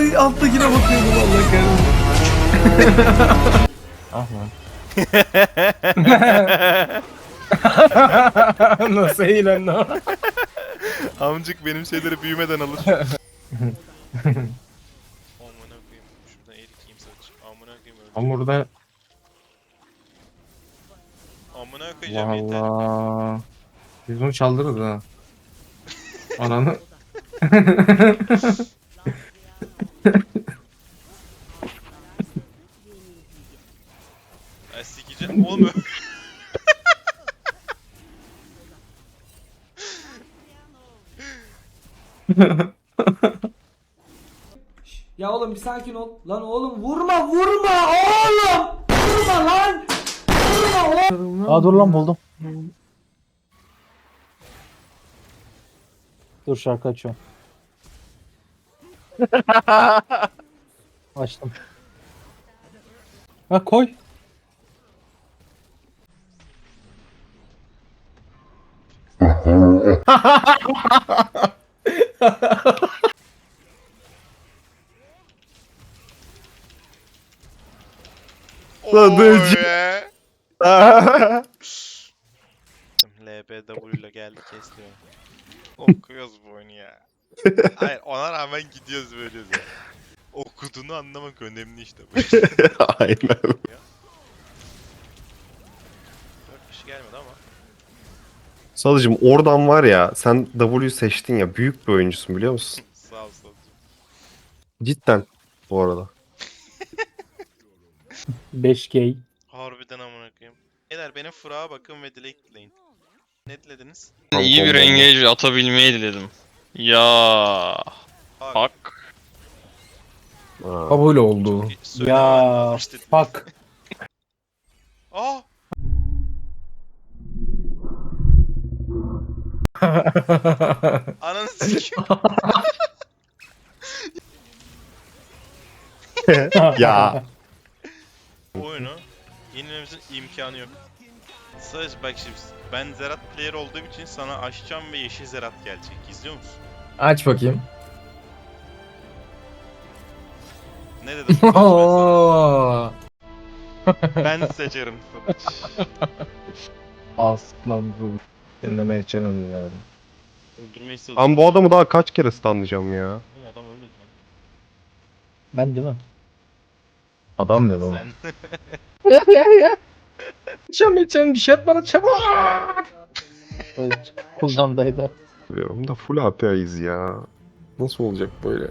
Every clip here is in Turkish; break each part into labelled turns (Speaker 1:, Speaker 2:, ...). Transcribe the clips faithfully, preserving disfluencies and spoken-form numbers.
Speaker 1: alttakine bakıyordum Allah kahretsin. Ah lan. Nasıl eğlendi o?
Speaker 2: Amcık benim şeyleri büyümeden alır. Amına koyayım. Şuradan erikeyim saç. Amına koyayım öldü.
Speaker 1: Hamurda
Speaker 2: Amına koyacağım yeter.
Speaker 1: valla. Biz bunu çaldırırız ha. Ananı.
Speaker 2: Ay sikeceğim oğlum.
Speaker 3: Ya oğlum bir sakin ol. Lan oğlum vurma vurma oğlum. Vurma lan. Vurma oğlum.
Speaker 4: Aa dur lan buldum. Dur şarkı açıyorum. Açtım. Ha koy.
Speaker 2: Sadıcı. L B W ile geldi kesiyor. Okuyoruz bu oyunu ya. Hayır ona rağmen gidiyoruz böyle ya. Okuduğunu anlamak önemli işte.
Speaker 5: Aynen.
Speaker 2: Dört kişi gelmedi ama.
Speaker 5: Sadıcım oradan var ya sen W seçtin ya büyük bir oyuncusun biliyor musun?
Speaker 2: Sağ ol sağ ol.
Speaker 5: Cidden bu arada.
Speaker 4: beş K.
Speaker 2: Harbiden amına koyayım. Beyler benim fırağa bakın ve dilek dileyin. Ne dilediniz?
Speaker 6: İyi bir engage atabilmeyi diledim. Ya
Speaker 2: Bak.
Speaker 6: hak.
Speaker 5: Ha.
Speaker 1: Kabul oldu.
Speaker 2: Söylemen
Speaker 4: Ya
Speaker 2: lazım işte.
Speaker 4: fuck.
Speaker 2: Aa! Ananı sikeyim.
Speaker 5: Ya.
Speaker 2: Bu oyunu yenilmemizin imkanı yok. Sadece bak şimdi ben Zerat player olduğum için sana açacağım ve yeşil Zerat gelecek. İzliyor musun?
Speaker 1: Aç bakayım.
Speaker 2: Ne dedim? Konuş ben
Speaker 1: Oo.
Speaker 2: sana. Ben seçerim Sadıç.
Speaker 1: Aslan bu. Dinlemeye çalın yani.
Speaker 6: Öldürmeyi istedim.
Speaker 5: Ben bu adamı daha kaç kere stunlayacağım ya?
Speaker 6: Oğlum adam öldü lan.
Speaker 4: Ben değil mi?
Speaker 1: Adam ne lan?
Speaker 2: Sen.
Speaker 1: Çam içen bir şey at bana çabuk.
Speaker 4: Evet. Kullandaydı.
Speaker 5: Biliyorum da full A P A'yız ya. Nasıl olacak böyle?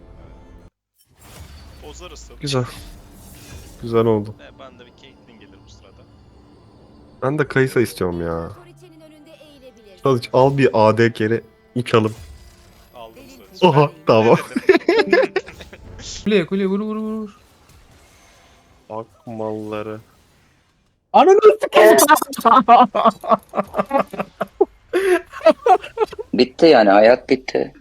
Speaker 2: Bozarız Sadıç.
Speaker 5: Güzel. Güzel oldu.
Speaker 2: E, ben de bir Caitlyn gelir bu sırada.
Speaker 5: Ben de Kayısa istiyorum ya.
Speaker 7: Otoritenin önünde eğilebilirsin.
Speaker 5: Sadıç al bir A D kere uçalım.
Speaker 2: Aldım Sadıç.
Speaker 5: Oha
Speaker 2: Ben-
Speaker 5: tamam.
Speaker 2: Ne dedim?
Speaker 1: Kuleye kuleye vur vur vur.
Speaker 5: Ak malları.
Speaker 4: Ananı sikeyim.
Speaker 8: Bitti yani hayat bitti.